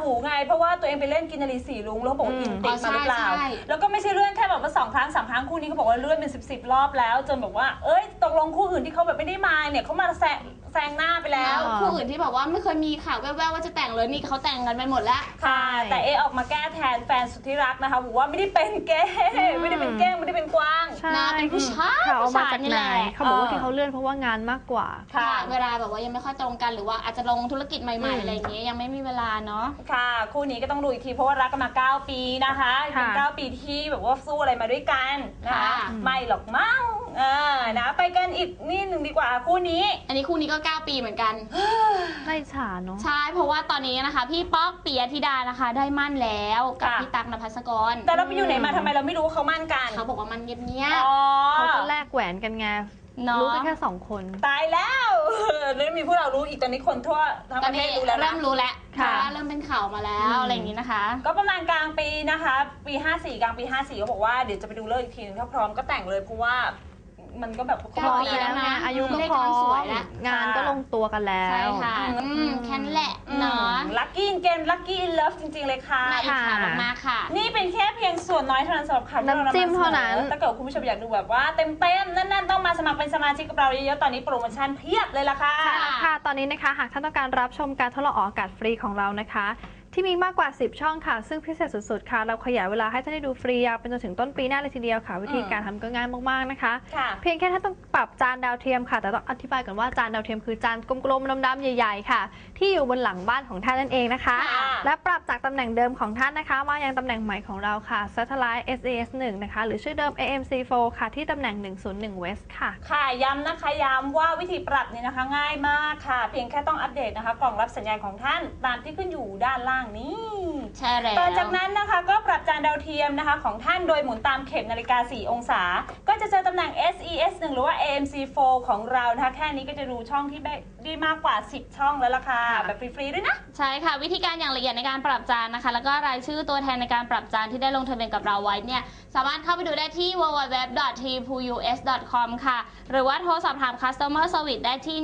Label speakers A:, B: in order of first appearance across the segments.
A: หูไงเพราะว่าตัวเองไปเล่นกินนารีสีลุงแล้วบอกว่าอินติดมาหรือเปล่าแล้วก็ไม่ใช่เรื่องแค่แบบว่า2 ครั้ง 3 ครั้งคู่นี้เขาบอกว่าเลื่อนเป็น10 รอบแล้วจนแบบว่าเอ้ยตกลงคู่อื่นที่เขาแบบไม่ได้มาเนี่ยเขามาแซงหน้าไปแล้ว
B: คู่อื่นที่บอกว่าไม่เคยมีข่าวแว่วๆว่าจะแต่งเลยนี่เขาแต่งกันไปหมดแล้ว
A: ค่ะแต่ออกมาแก้แทนแฟนสุดที่รักนะคะบอกว่าไม่ได้เป็นเกย์ไม่ได้เป็นเก้งไม่ได้เป็นกวาง
B: นะเป็นผู้ชาย
C: เขามาจากไหนเขาบอกว่าที่เขาเลื่อนเพราะว่างานมากกว่า
B: ค่ะเวลาแบบว่ายังไม่ค่อยตรงกันหรือว่าอาจจะลงธุรกิจใหม่ๆอะไรอย่างเงี้ยยังไม่มีเวลาเนาะ
A: ค่ะคู่นี้ก็ต้องดูอีกทีเพราะว่ารักกันมา9 ปีนะคะเป็น9 ปีที่แบบว่าสู้อะไรมาด้วยกันนะคะไม่หรอกมั้งนะไปกันอีกนี่หนึ่งดีกว่าคู่นี้
B: อันนี้คู่นี้ก็9 ปีเหมือนกัน
C: น่าอิจฉาเนาะ
B: ใช่เพราะว่าตอนนี้นะคะพี่ป๊อกปิยธิดานะคะได้มั่นแล้วกับพี่ตั๊กนภัสกร
A: แต่เราไปอยู่ไหนมาทำไมเราไม่รู้เขามั่นกัน
B: เขาบอกว่ามันเงียบ
C: ๆเขาก็แลกแหวนกันไงรู้กันแค่2 คน
A: ตายแล้วแล้วมีพวกเรารู้อีกตอนนี้คนทั่วทั้งประเทศรู้แล้ว
B: เริ่มรู้แล้วเริ่มเป็นข่าวมาแล้วอะไรอย่างนี้นะคะ
A: ก็ประมาณกลางปีนะคะปี54กลางปี54เขาบอกว่าเดี๋ยวจะไปดูเลิกอีกทีนึงถ้าพร้อมก็แต่งเลยเพราะว่ามันก็แบบ
C: พร้อมแล้วนะอายุก็พร้อมงานก็ลงตัวกันแล้ว
B: ใช่ค่ะแค่นั้นแหละเนาะ
A: ลัคกี้เกมลัคกี้อินเลิฟจริงๆเลยค่ะ
B: น่าอิจฉามากค่ะ
A: นี่เป็นแค่เพียงส่วนน้อยเท่านั้นสำหรับข่าวที่เรานำมาเสนอถ้าเกิดคุณผู้ชมอยากดูแบบว่าเต็มๆนั่นๆต้องมาสมัครเป็นสมาชิกกับเราเยอะๆตอนนี้โปรโมชั่นเพียบเลยล่ะค่ะ
C: ค่ะตอนนี้นะคะหากท่านต้องการรับชมการทดลองออกอากาศฟรีของเรานะคะที่มีมากกว่า10 ช่องค่ะซึ่งพิเศษสุดๆค่ะเราขยายเวลาให้ท่านได้ดูฟรียาวเป็นจนถึงต้นปีหน้าเลยทีเดียวค่ะวิธีการทำก็ง่ายมากๆนะคะเพียงแค่ท่านต้องปรับจานดาวเทียมค่ะแต่ต้องอธิบายก่อนว่าจานดาวเทียมคือจานกลมๆดำๆใหญ่ๆค่ะที่อยู่บนหลังบ้านของท่านนั่นเองนะคะและปรับจากตำแหน่งเดิมของท่านนะคะมายังตำแหน่งใหม่ของเราค่ะ Satellite SAS 1นะคะหรือชื่อเดิม AMC4 ค่ะที่ตำแหน่ง101 West ค่ะ
A: ค่ะย้ำนะคะย้ำว่าวิธีปรับนี่นะคะง่ายมากค่ะเพียงแค่ต้องอัปเดตนะคะกล่องรับสัญญาณของท่านตามที่ขึ้นอยู่ด้านล่างนี้
B: ใช่แล้ว
A: ต่อจากนั้นนะคะก็ปรับจานดาวเทียมนะคะของท่านโดยหมุนตามเข็มนาฬิกา4 องศาก็จะเจอตำแหน่ง SES1 หรือว่า AMC4 ของเรานะคะแค่นี้ก็จะดูช่องที่ได้มากกว่า10 ช่องแล้วล่ะค่ะแบบฟรีๆด้วยนะ
B: ใช่ค่ะวิธีการอย่างละเอียดในการปรับจานนะคะแล้วก็รายชื่อตัวแทนในการปรับจานที่ได้ลงทะเบียนกับเราไว้เนี่ยสามารถเข้าไปดูได้ที่ www.tpus.com ค่ะหรือว่าโทรสอบถาม customer service ได้ที่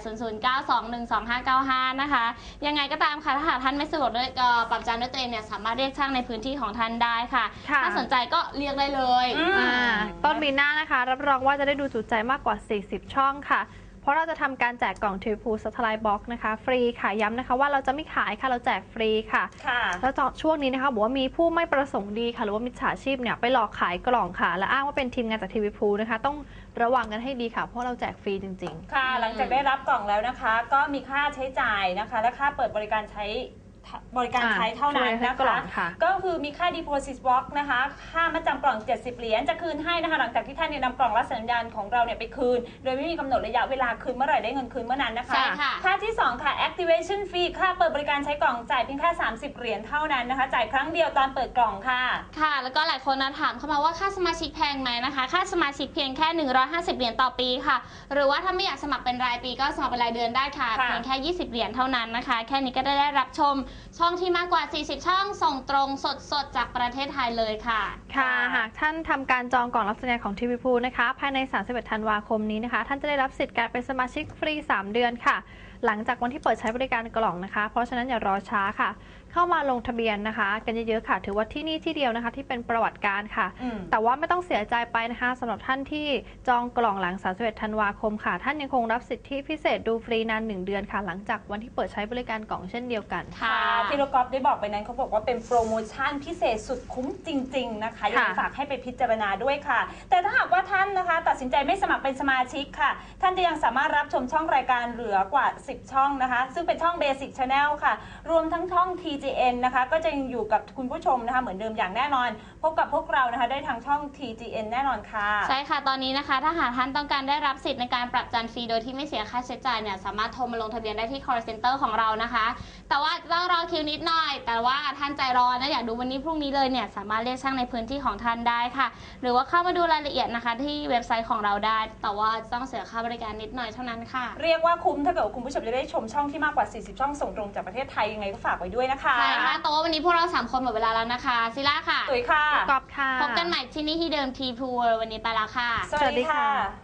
B: 180092122595นะคะยังไงก็ตามค่ะถ้าหากท่านไม่สะดวกด้วยปรับจานด้วยตัวเองเนี่ยสามารถเรียกช่างในพื้นที่ของท่านได้ค่ะถ้าสนใจก็เรียกได้เลย
C: ต้นปีหน้านะคะรับรองว่าจะได้ดูจุใจมากกว่า40 ช่องค่ะเพราะเราจะทำการแจกกล่องทีพูสไตล์บ็อกนะคะฟรีค่ะย้ำนะคะว่าเราจะไม่ขายค่ะเราแจกฟรีค่ะแล้วช่วงนี้นะคะบอกว่ามีผู้ไม่ประสงค์ดีค่ะหรือว่ามิจฉาชีพเนี่ยไปหลอกขายกล่องค่ะและอ้างว่าเป็นทีมงานจากทีวีพูนะคะต้องระวังกันให้ดีค่ะเพราะเราแจกฟรีจริง
A: ๆค่ะหลังจากได้รับกล่องแล้วนะคะก็มีค่าใช้จ่ายนะคะและค่าเปิดบริการใช้เท่านั้นนะคะก็คือมีค่า deposit box นะคะค่ามัดจำกล่อง70 เหรียญจะคืนให้นะคะหลังจากที่ท่านนำกล่องรับสัญญาณของเราเนี่ยไปคืนโดยไม่มีกำหนดระยะเวลาคืนเมื่อไหร่ได้เงินคืนเมื่อนั้นนะคะค่าที่2ค่ะ activation fee ค่าเปิดบริการใช้กล่องจ่ายเพียงแค่30 เหรียญเท่านั้นนะคะจ่ายครั้งเดียวตอนเปิดกล่องค่ะ
B: ค่ะแล้วก็หลายคนถามเข้ามาว่าค่าสมาชิกแพงไหมนะคะค่าสมาชิกเพียงแค่150 เหรียญต่อปีค่ะหรือว่าถ้าไม่อยากสมัครเป็นรายปีก็สมัครเป็นรายเดือนได้ค่ะเพียงแค่20 เหรียญเท่านั้นนะคะแค่นี้ก็ได้รับชมช่องที่มากกว่า40 ช่องส่งตรงสดจากประเทศไทยเลยค่ะ
C: ค่ะหากท่านทำการจองกล่องรับสัญญาณของทีวีพูนะคะภายใน31 ธันวาคมนี้นะคะท่านจะได้รับสิทธิ์การเป็นสมาชิกฟรี3 เดือนค่ะหลังจากวันที่เปิดใช้บริการกล่องนะคะเพราะฉะนั้นอย่ารอช้าค่ะเข้ามาลงทะเบียนนะคะกันเยอะๆค่ะถือว่าที่นี่ที่เดียวนะคะที่เป็นประวัติการค่ะแต่ว่าไม่ต้องเสียใจไปนะคะสำหรับท่านที่จองกล่องหลัง31 ธันวาคมค่ะท่านยังคงรับสิทธิพิเศษดูฟรีนาน1 เดือนค่ะหลังจากวันที่เปิดใช้บริการกล่องเช่นเดียวกัน
A: ค่ะที่เรากอล์ฟได้บอกไปนั้นเขาบอกว่าเป็นโปรโมชั่นพิเศษสุดคุ้มจริงๆนะคะยังฝากให้ไปพิจารณาด้วยค่ะแต่ถ้าหากว่าท่านนะคะตัดสินใจไม่สมัครเป็นสมาชิกค่ะท่านจะยังสามารถรับชมช่องรายการเหลือกว่า10 ช่องนะคะซึ่งเป็นช่อง Basic Channel ค่ะรวมทั้งช่อง TGN นะคะก็จะยังอยู่กับคุณผู้ชมนะคะเหมือนเดิมอย่างแน่นอนพบกับพวกเรานะคะได้ทางช่อง TGN แน่นอนค่ะ
B: ใช่ค่ะตอนนี้นะคะถ้าหากท่านต้องการได้รับสิทธิ์ในการปรับจานฟรีโดยที่ไม่เสียค่าใช้จ่ายเนี่ยสามารถโทรมาลงทะเบียนได้ที่ call center ของเรานะคะแต่ว่าต้องรอคิวนิดหน่อยแต่ว่าท่านใจร้อนนะอยากดูวันนี้พรุ่งนี้เลยเนี่ยสามารถเรียกช่างในพื้นที่ของท่านได้ค่ะหรือว่าเข้ามาดูรายละเอียดนะคะที่เว็บไซต์ของเราได้แต่ว่าต้องเสียค่าบริการนิดหน่อยเท่านั้นค่ะ
A: เรียกว่าคุ้มถ้าเกิดคุณผู้ชมจะได้ชมช่องที่มากกว่า40 ช่องส่งตรงจากประเทศไทยยังไงก็ฝากไว้ด้วยนะคะ
B: ใช่ค่ะแต่ว่าวันนี้พวกเรา3 คนหมดเวลาแล้วนะคะซิล่าค่ะ
A: ตุ๋ยค่ะ
C: กอบค่ะ
B: พบกันใหม่ที่นี่ที่เดิมทีพูวันนี้ไปแล้วค่ะ
A: สวัสดีค่ะ